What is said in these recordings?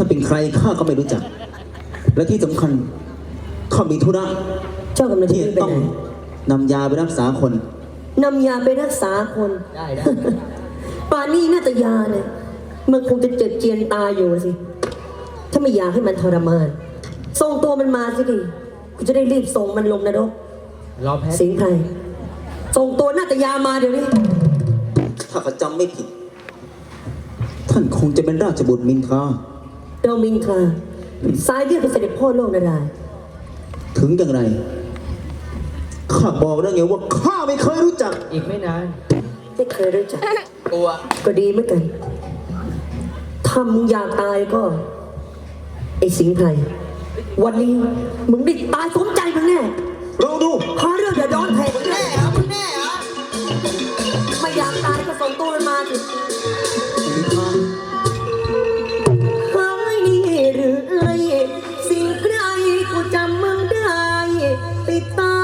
าเป็นใครข้าก็ไม่รู้จักและที่สำคัญข้ามีธุระเจ้ากำลังที่จะไปต้องไหนนำยาไปรักษาคนนำยาไปรักษาคนได้ป่านนี้นาตยาเนี่ยมันคงจะเจ็บเจียนตายอยู่สิถ้าไม่อยากให้มันทรมานส่งตัวมันมาสิดิกูจะได้รีบส่งมันลงนรกรอแพ้สิงห์ไพรส่งตัวนาตยามาเดี๋ยวนี้ถ้าข้าจำไม่ผิด ท่านคงจะเป็นราชบุตรมินทราเรามินทราสายเลือดเป็นเสด็จพ่อโลกนารายณ์ถึงอย่างไรข้าบอกแล้วไงว่าข้าไม่เคยรู้จักอีกไม่นานไม่เคยรู้จักกลัวก็ดีเหมือนกันถ้ามึงอยากตายก็ ไอ้สิงห์ไพรวันนี้มึงได้ตายสมใจมึงแน่ลองดูพาเรื่องเดือดร้อนแทนมึงแน่มึงแน่เหรอไม่อยากตายก็ส่งตัวมันมาสิมินทราเฮ้ยนี่หรือไอ้สิ่งใครกูจำมึงได้ติดตา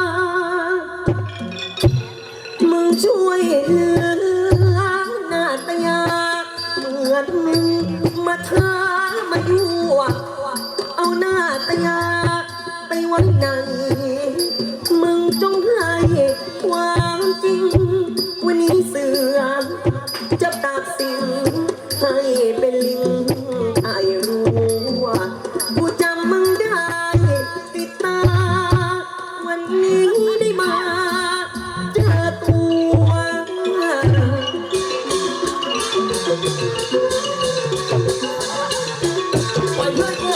มึงช่วยเหลือหน้าตายาเหมือนมึงมาท้ามายั่วเอาหน้าตายาไปไว้ไหนมึงจงให้ความจริงวันนี้เสือจะตัดสินให้เป็นลิงไอ้รู้ว่ากูจำมึงได้ติดตาวันนี้ได้มาเจอตัวปล่อยเพื่อนกู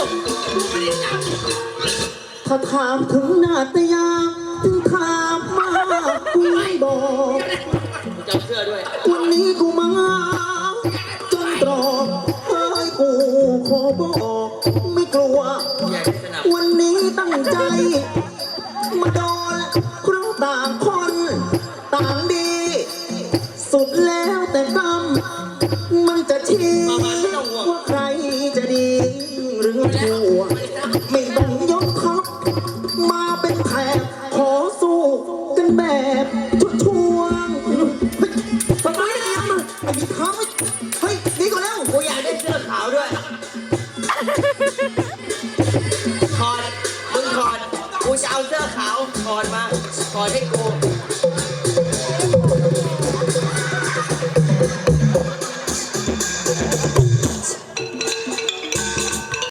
ถ้าถามถึงนาตยาถึงถามมากูไม่บอกจำเสื้อด้วยวันนี้กูมาจนตรอกเฮ้ยกูขอบอกไม่กลัวใหญ่สนับวันนี้ตั้งใจ มาโดนเพราะต่างคนต่างดี สุดแล้วแต่กรรมมันจะชี้ว่าใครจะดีหรือชั่วไม่ต้องยกทัพมาเป็นแถบขอสู้กันแบบชุดช่วงเฮ้ยทำไมเนี่ยมึงไอ้ท้าเฮ้ยหนีก่อนแล้วกูอยากได้เสื้อขาวด้วยถอดมึงถอดกูจะเอาเสื้อขาวถอดมาถอดให้กู